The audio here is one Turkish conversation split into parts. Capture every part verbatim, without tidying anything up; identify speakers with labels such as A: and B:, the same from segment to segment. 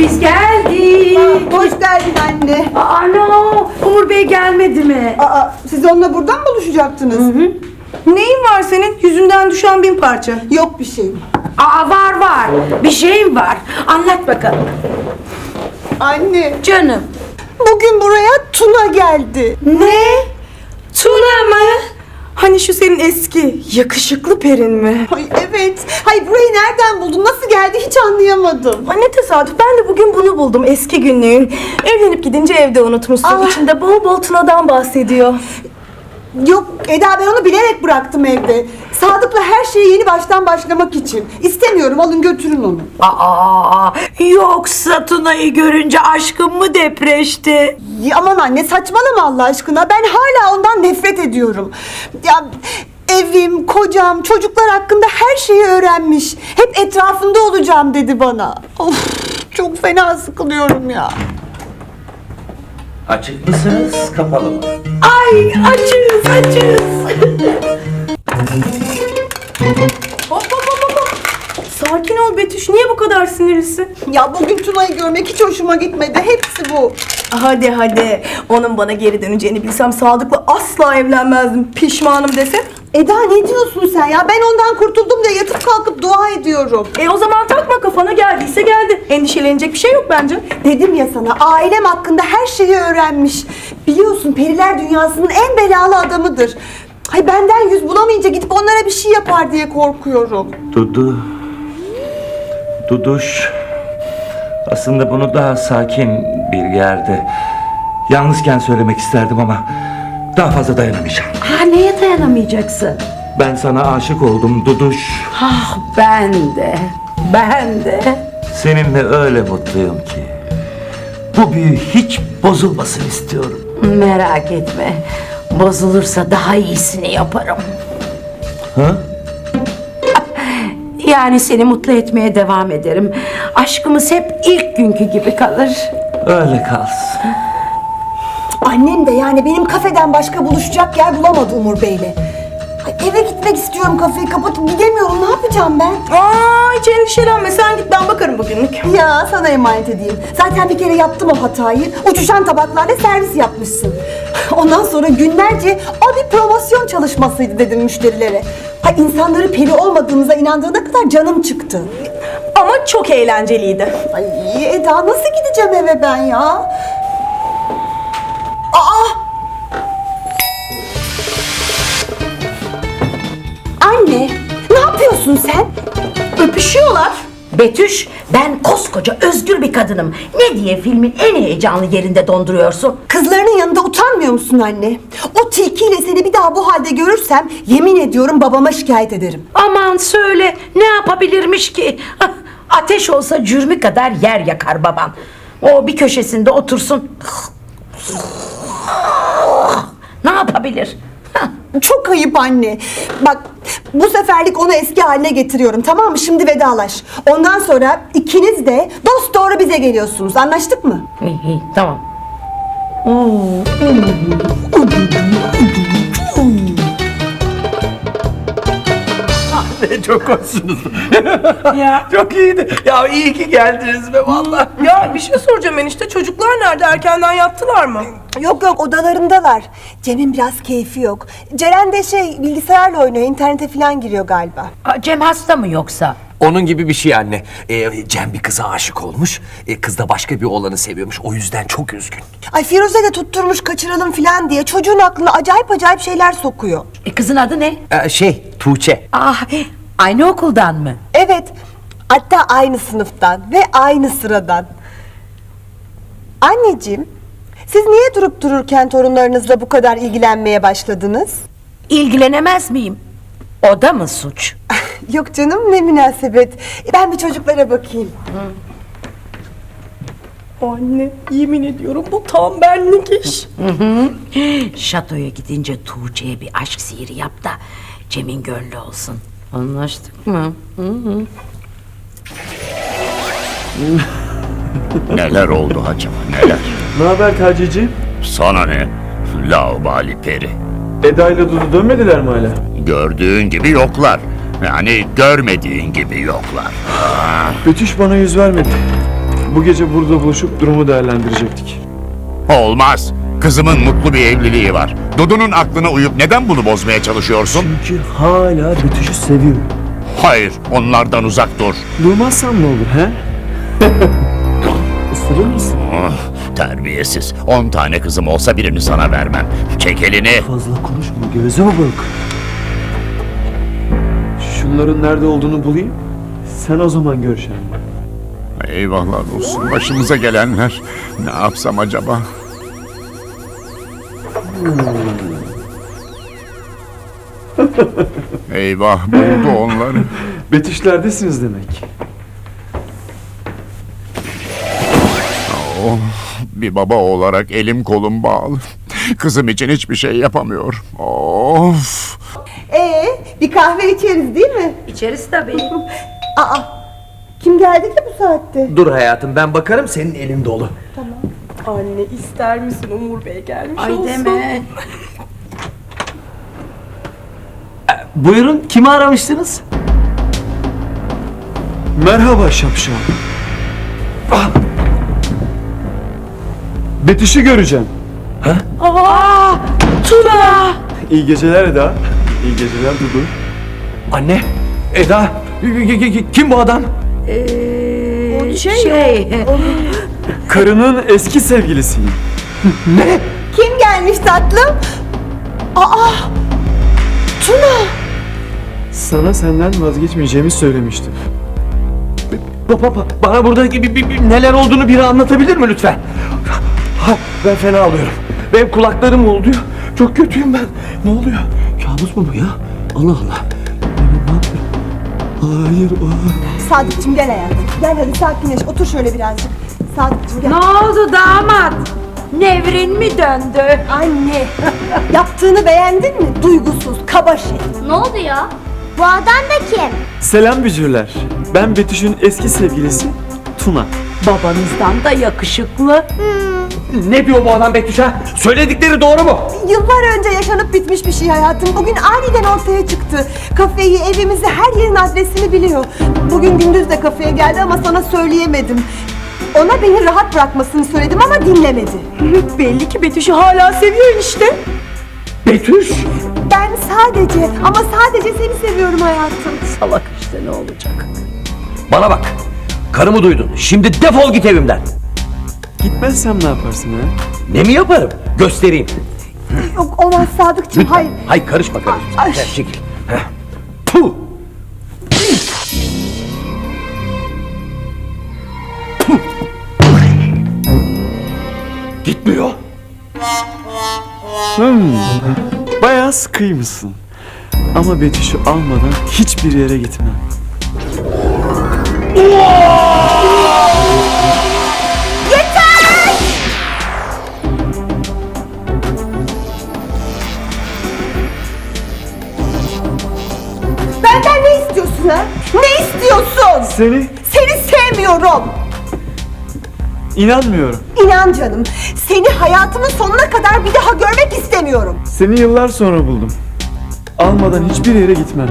A: Biz geldik.
B: Hoş geldin anne.
A: Aa, no. Umur Bey gelmedi mi?
B: Aa, siz onunla buradan mı buluşacaktınız?
A: Hı hı.
B: Neyin var senin? Yüzünden düşen bin parça. Yok bir şeyim.
A: Aa, var var. Bir şeyim var. Anlat bakalım.
B: Anne,
A: Canım.
B: bugün buraya Tuna geldi.
A: Ne? Tuna mı?
C: Hani şu senin eski yakışıklı perin mi?
B: Ay evet. Hay burayı nereden buldun? Nasıl geldi hiç anlayamadım.
C: Ay ne tesadüf, ben de bugün bunu buldum, eski günlüğün. Evlenip gidince evde unutmuşsun.
B: Ah.
C: İçinde bol bol Tuna'dan bahsediyor.
B: Yok Eda, ben onu bilerek bıraktım evde. Sadık'la her şeye yeni baştan başlamak için. İstemiyorum, alın götürün onu.
A: Aa, yoksa Tuna'yı görünce aşkın mı depreşti?
B: Ya aman anne, saçmalama Allah aşkına. Ben hala ondan nefret ediyorum. Ya evim, kocam, çocuklar hakkında her şeyi öğrenmiş. Hep etrafında olacağım dedi bana. Of, çok fena sıkılıyorum ya.
D: Açık mısınız, kapalı mı?
A: Ay, açız açız.
C: Hop hop hop hop. Sakin ol Betüş, niye bu kadar sinirlisin?
B: Ya bugün Tuna'yı görmek hiç hoşuma gitmedi. Hepsi bu.
C: Hadi hadi, onun bana geri döneceğini bilsem Sadık'la asla evlenmezdim. Pişmanım desem.
B: Eda ne diyorsun sen ya? Ben ondan kurtuldum diye yatıp kalkıp dua ediyorum.
C: E o zaman takma kafana, geldiyse geldi. Endişelenecek bir şey yok bence.
B: Dedim ya sana, ailem hakkında her şeyi öğrenmiş. Biliyorsun periler dünyasının en belalı adamıdır. Ay benden yüz bulamayınca gidip onlara bir şey yapar diye korkuyorum.
D: Dudu. Duduş. Aslında bunu daha sakin bir yerde, yalnızken söylemek isterdim ama daha fazla dayanamayacağım.
A: Ha, neye dayanamayacaksın?
D: Ben sana aşık oldum Duduş.
A: Ah, ben de. Ben de.
D: Seninle öyle mutluyum ki. Bu büyü hiç bozulmasın istiyorum.
A: Merak etme. Bozulursa daha iyisini yaparım.
D: Ha?
A: Yani seni mutlu etmeye devam ederim. Aşkımız hep ilk günkü gibi kalır.
D: Öyle kalsın.
B: Annem de yani benim kafeden başka buluşacak yer bulamadı Umur Bey'le. Ay, eve gitmek istiyorum, kafeyi kapatıp gidemiyorum. Ne yapacağım ben?
C: Aa, hiç endişelenme, sen git, ben bakarım bugünlük.
B: Ya sana emanet edeyim. Zaten bir kere yaptım o hatayı. Uçuşan tabaklarla servis yapmışsın. Ondan sonra günlerce o bir promosyon çalışmasıydı dedim müşterilere. Ha, insanları peri olmadığınıza inandığına kadar canım çıktı.
C: Ama çok eğlenceliydi.
B: Ay Eda, nasıl gideceğim eve ben ya? Aa! Anne, ne yapıyorsun sen?
C: Öpüşüyorlar.
A: Betüş, ben koskoca özgür bir kadınım. Ne diye filmin en heyecanlı yerinde donduruyorsun?
B: Kızlarının yanında utanmıyor musun anne? O tilkiyle seni bir daha bu halde görürsem yemin ediyorum babama şikayet ederim.
A: Aman söyle, ne yapabilirmiş ki? Ah, ateş olsa cürmü kadar yer yakar baban. O bir köşesinde otursun. Ne yapabilir?
B: Çok ayıp anne. Bak, bu seferlik onu eski haline getiriyorum, tamam mı? Şimdi vedalaş. Ondan sonra ikiniz de dosdoğru bize geliyorsunuz. Anlaştık mı?
A: İyi, iyi, tamam.
D: Ne çok hoşsunuz.
C: Ya.
D: Çok iyiydi. Ya iyi ki geldiniz be vallahi.
C: Ya bir şey soracağım enişte, çocuklar nerede, erkenden yattılar mı?
B: Yok yok, odalarındalar. Cem'in biraz keyfi yok. Ceren de şey, bilgisayarla oynuyor, internete falan giriyor galiba.
A: Aa, Cem hasta mı yoksa?
E: Onun gibi bir şey anne. Ee, Cem bir kıza aşık olmuş. Ee, kız da başka bir oğlanı seviyormuş. O yüzden çok üzgün.
B: Ay Firuze de tutturmuş kaçıralım falan diye çocuğun aklına acayip acayip şeyler sokuyor.
A: E, kızın adı ne?
E: Ee, şey, Tuğçe.
A: Ah, aynı okuldan mı?
B: Evet, hatta aynı sınıftan ve aynı sıradan. Anneciğim, siz niye durup dururken torunlarınızla bu kadar ilgilenmeye başladınız?
A: İlgilenemez miyim? O da mı suç?
B: Yok canım, ne münasebet. Ben bir çocuklara bakayım.
C: Anne, yemin ediyorum bu tam benlik iş.
A: Şatoya gidince Tuğçe'ye bir aşk sihiri yap da Cem'in gönlü olsun. Anlaştık mı?
F: Neler oldu acaba, neler?
G: Ne haber Taci'ciğim?
F: Sana ne? Laubali peri.
G: Eda ile Dudu dönmediler mi hala?
F: Gördüğün gibi yoklar. Yani görmediğin gibi yoklar.
G: Betüş bana yüz vermedi. Bu gece burada buluşup durumu değerlendirecektik.
F: Olmaz. Kızımın mutlu bir evliliği var. Dudu'nun aklına uyup neden bunu bozmaya çalışıyorsun?
G: Çünkü hala Betüş'ü seviyorum.
F: Hayır, onlardan uzak dur.
G: Durmazsam ne olur he? Isırır mısın?
F: Oh, terbiyesiz. On tane kızım olsa birini sana vermem. Çek elini.
G: Fazla konuşma, gözüme bak. Şunların nerede olduğunu bulayım. Sen o zaman göreceksin.
F: Eyvahlar olsun başımıza gelenler. Ne yapsam acaba? Eyvah buldu onları.
G: Betüşlerdesiniz demek.
F: Oh, bir baba olarak elim kolum bağlı. Kızım için hiçbir şey yapamıyorum. Of.
B: Ee, bir kahve içeriz değil mi?
A: İçeriz tabii.
B: Aa, kim geldi ki bu saatte?
E: Dur hayatım ben bakarım senin elin dolu.
C: Anne ister misin Umur Bey gelmiş
A: Ay
C: olsun.
A: deme.
E: Buyurun kimi aramıştınız?
G: Merhaba şapşal. Ah! Betüş'ü göreceğim.
A: Aa, Tuna.
G: İyi geceler Eda. İyi geceler Dudu.
E: Anne, Eda, kim bu adam?
A: Ee,
B: şey,
A: şey
G: Karının eski sevgilisiyim.
B: Kim gelmiş tatlım? Aa, Tuna.
G: Sana senden vazgeçmeyeceğimi söylemiştim.
E: Baba, bana burada bir, bir- bir- neler olduğunu biri anlatabilir mi lütfen? Ha, ben fena alıyorum. Benim kulaklarım oluyor. Çok kötüyüm ben. Ne oluyor? Kabus mu bu ya? Allah Allah. Ben ne yapıyorum? Hayır. aa.
B: Sadıkçım gel hayatım. Gel hadi sakinleş. Otur şöyle birazcık. Sadıkçım gel.
A: ne oldu damat? Nevrin mi döndü?
B: Anne, yaptığını beğendin mi? Duygusuz, kaba şey.
H: Ne oldu ya? Bu adam da kim?
G: Selam bücürler. Ben Betüş'ün eski sevgilisi Tuna.
A: Babanızdan da yakışıklı.
E: Ne diyor bu adam Betüş ha? Söyledikleri doğru mu?
B: Yıllar önce yaşanıp bitmiş bir şey hayatım. Bugün aniden ortaya çıktı. Kafeyi, evimizi, her yerin adresini biliyor. Bugün gündüz de kafeye geldi ama sana söyleyemedim. Ona beni rahat bırakmasını söyledim ama dinlemedi.
C: Belli ki Betüş'ü hala seviyor işte.
E: Betüş!
B: Ben sadece ama sadece seni seviyorum hayatım.
A: Salak işte, ne olacak?
E: Bana bak. Karımı duydun. Şimdi defol git evimden.
G: Gitmezsem ne yaparsın ha?
E: Ne mi yaparım? Göstereyim.
B: Yok olmaz Sadıkçım, hayır.
E: Hayır karışma karışma.
B: Ay.
E: Gel, çekil. Heh. Puh! Puh! Gitmiyor.
G: Hmm. Bayağı sıkıymışsın. Ama Betüş'ü almadan hiçbir yere gitmem.
B: Benden ne istiyorsun ha? Ne istiyorsun?
G: Seni
B: Seni sevmiyorum.
G: inanmıyorum.
B: İnan canım, seni hayatımın sonuna kadar bir daha görmek istemiyorum.
G: Seni yıllar sonra buldum. Almadan hiçbir yere gitmem.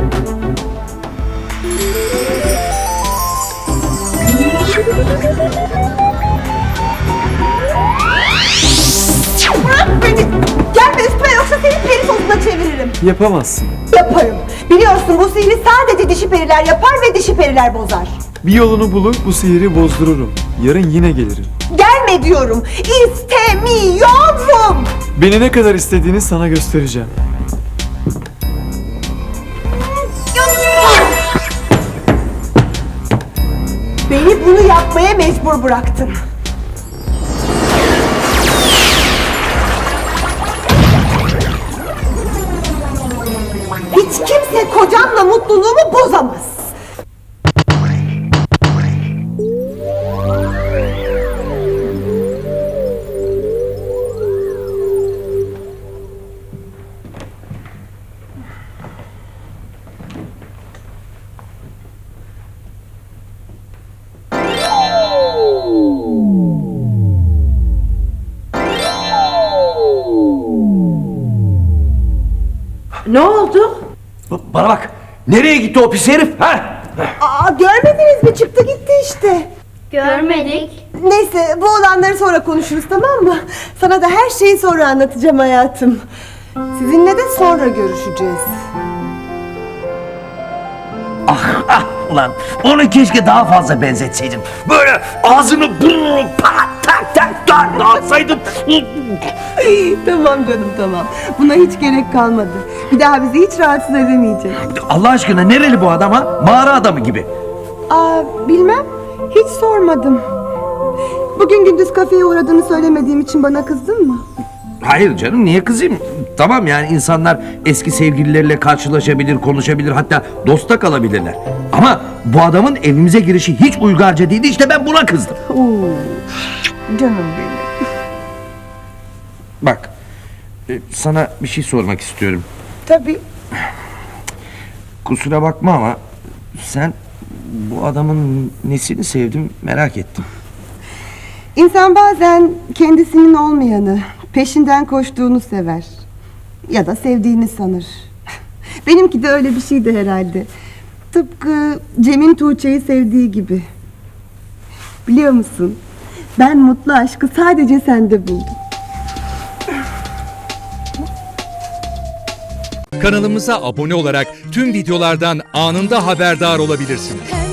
B: Bırak beni. Gelme üstüme yoksa seni peri tozuna çeviririm.
G: Yapamazsın.
B: Yaparım. Biliyorsun bu sihri sadece dişi periler yapar ve dişi periler bozar.
G: Bir yolunu bulup bu sihiri bozdururum. Yarın yine gelirim.
B: Gelme diyorum. İstemiyorum.
G: Beni ne kadar istediğini sana göstereceğim.
B: Beni bunu yapmaya mecbur bıraktın. Hiç kimse kocamla mutluluğumu bozamaz.
A: Ne oldu?
E: Ba- Bana bak. Nereye gitti o pis herif? Ha?
B: Aa, görmediniz mi? Çıktı gitti işte.
H: Görmedik.
B: Neyse bu olanları sonra konuşuruz, tamam mı? Sana da her şeyi sonra anlatacağım hayatım. Sizinle de sonra görüşeceğiz.
E: Ah ah ulan onu keşke daha fazla benzetseydin. Böyle ağzını burnunu pat tak tak tak dağıtsaydın.
B: Tamam canım, tamam. Buna hiç gerek kalmadı. Bir daha bizi hiç rahatsız edemeyecek.
E: Allah aşkına nereli bu adam ha? Mağara adamı gibi.
B: Aa, bilmem. Hiç sormadım. Bugün gündüz kafeye uğradığını söylemediğim için bana kızdın mı?
E: Hayır canım niye kızayım? Tamam yani insanlar eski sevgilileriyle karşılaşabilir, konuşabilir, hatta dosta kalabilirler. Ama bu adamın evimize girişi hiç uygarca değildi, işte ben buna kızdım.
B: Oo, canım benim.
E: Bak, e, sana bir şey sormak istiyorum.
B: Tabii.
E: Kusura bakma ama sen bu adamın nesini sevdim merak ettim.
B: İnsan bazen kendisinin olmayanı, peşinden koştuğunu sever. Ya da sevdiğini sanır. Benimki de öyle bir şeydi herhalde. Tıpkı Cem'in Tuğçe'yi sevdiği gibi. Biliyor musun? Ben mutlu aşkı sadece sende buldum.
I: Kanalımıza abone olarak tüm videolardan anında haberdar olabilirsiniz.